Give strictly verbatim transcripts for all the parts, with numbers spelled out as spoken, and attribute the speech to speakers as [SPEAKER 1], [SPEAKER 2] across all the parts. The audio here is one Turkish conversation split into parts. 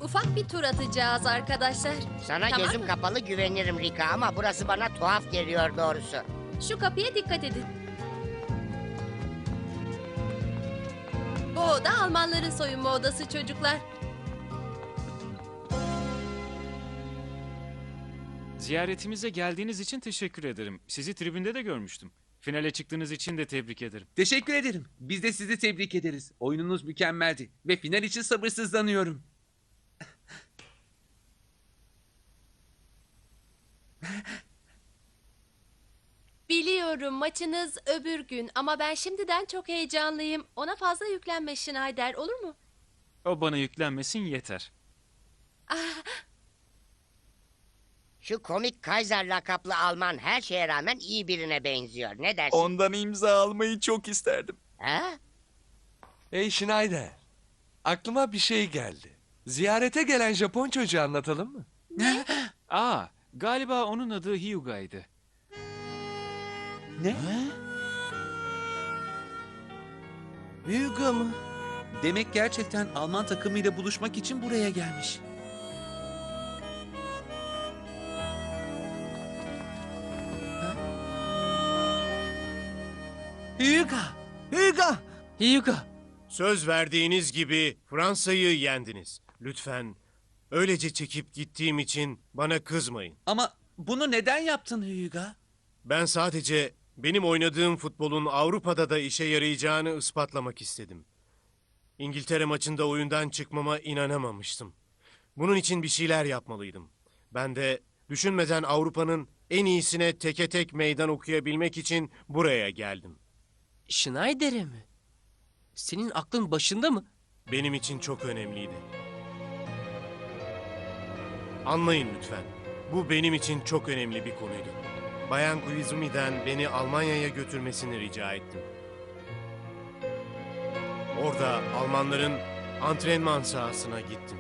[SPEAKER 1] ufak bir tur atacağız arkadaşlar.
[SPEAKER 2] Sana
[SPEAKER 1] Tamam
[SPEAKER 2] gözüm
[SPEAKER 1] mı?
[SPEAKER 2] kapalı güvenirim Rika ama burası bana tuhaf geliyor doğrusu.
[SPEAKER 1] Şu kapıya dikkat edin. Bu oda Almanların soyunma odası çocuklar.
[SPEAKER 3] Ziyaretimize geldiğiniz için teşekkür ederim. Sizi tribünde de görmüştüm. Finale çıktığınız için de tebrik ederim.
[SPEAKER 4] Teşekkür ederim. Biz de sizi tebrik ederiz. Oyununuz mükemmeldi ve final için sabırsızlanıyorum.
[SPEAKER 1] Biliyorum maçınız öbür gün ama ben şimdiden çok heyecanlıyım. Ona fazla yüklenme Schneider, olur mu?
[SPEAKER 3] O bana yüklenmesin yeter.
[SPEAKER 2] Şu komik Kaiser lakaplı Alman her şeye rağmen iyi birine benziyor. Ne dersin?
[SPEAKER 5] Ondan imza almayı çok isterdim.
[SPEAKER 2] Ha?
[SPEAKER 6] Hey Schneider, aklıma bir şey geldi. Ziyarete gelen Japon çocuğu anlatalım mı?
[SPEAKER 3] Aa, galiba onun adı Hyuga'ydı.
[SPEAKER 4] Ne?
[SPEAKER 5] Hyuga mı?
[SPEAKER 4] Demek gerçekten Alman takımıyla buluşmak için buraya gelmiş. Hyuga!
[SPEAKER 5] Hyuga!
[SPEAKER 4] Hyuga!
[SPEAKER 7] Söz verdiğiniz gibi Fransa'yı yendiniz. Lütfen öylece çekip gittiğim için bana kızmayın.
[SPEAKER 4] Ama bunu neden yaptın Hyuga?
[SPEAKER 7] Ben sadece benim oynadığım futbolun Avrupa'da da işe yarayacağını ispatlamak istedim. İngiltere maçında oyundan çıkmama inanamamıştım. Bunun için bir şeyler yapmalıydım. Ben de düşünmeden Avrupa'nın en iyisine teke tek meydan okuyabilmek için buraya geldim.
[SPEAKER 8] Schneider'e mi? Senin aklın başında mı?
[SPEAKER 7] Benim için çok önemliydi. Anlayın lütfen. Bu benim için çok önemli bir konuydu. Bayan Koizumi'den beni Almanya'ya götürmesini rica ettim. Orada Almanların antrenman sahasına gittim.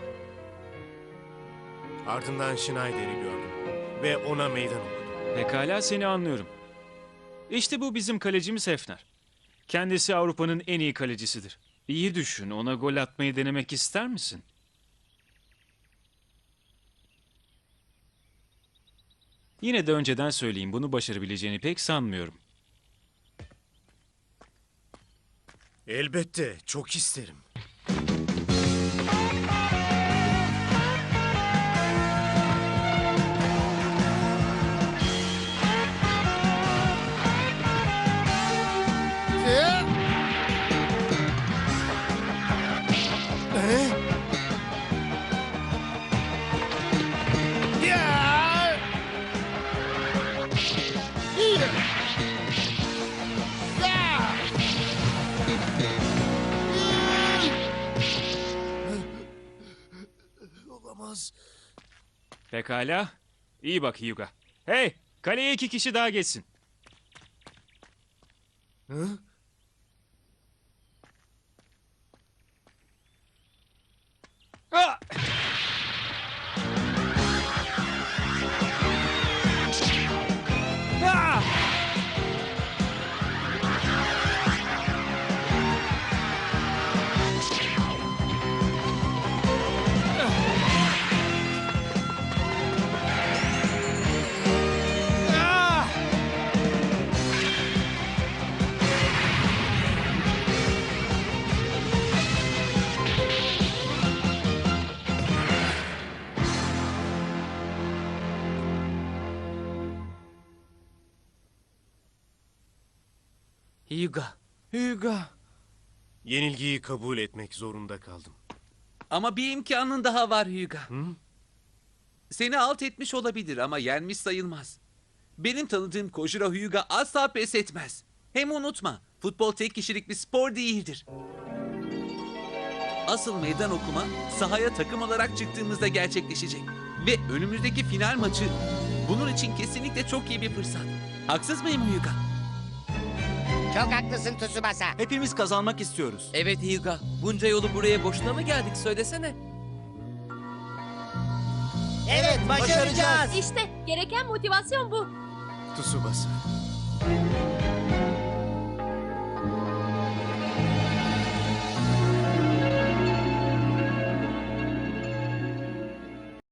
[SPEAKER 7] Ardından Schneider'i gördüm ve ona meydan okudum.
[SPEAKER 3] Pekala, seni anlıyorum. İşte bu bizim kalecimiz Hefner. Kendisi Avrupa'nın en iyi kalecisidir. İyi düşün, ona gol atmayı denemek ister misin? Yine de önceden söyleyeyim, bunu başarabileceğini pek sanmıyorum.
[SPEAKER 7] Elbette, çok isterim.
[SPEAKER 5] Olamaz.
[SPEAKER 3] Pekala, iyi bak Hyuga. Hey, kaleye iki kişi daha geçsin.
[SPEAKER 7] Hı?
[SPEAKER 3] Ah! Ah! Ah!
[SPEAKER 8] Hyuga.
[SPEAKER 5] Hyuga.
[SPEAKER 7] Yenilgiyi kabul etmek zorunda kaldım.
[SPEAKER 4] Ama bir imkanın daha var Hyuga.
[SPEAKER 7] Hı?
[SPEAKER 4] Seni alt etmiş olabilir ama yenmiş sayılmaz. Benim tanıdığım Kojiro Hyuga asla pes etmez. Hem unutma, futbol tek kişilik bir spor değildir. Asıl meydan okuma sahaya takım olarak çıktığımızda gerçekleşecek. Ve önümüzdeki final maçı bunun için kesinlikle çok iyi bir fırsat. Haksız mıyım Hyuga?
[SPEAKER 2] Çok haklısın Tsubasa.
[SPEAKER 5] Hepimiz kazanmak istiyoruz.
[SPEAKER 8] Evet Hyuga. Bunca yolu buraya boşuna mı geldik söylesene.
[SPEAKER 2] Evet, başaracağız.
[SPEAKER 1] İşte gereken motivasyon bu.
[SPEAKER 7] Tsubasa.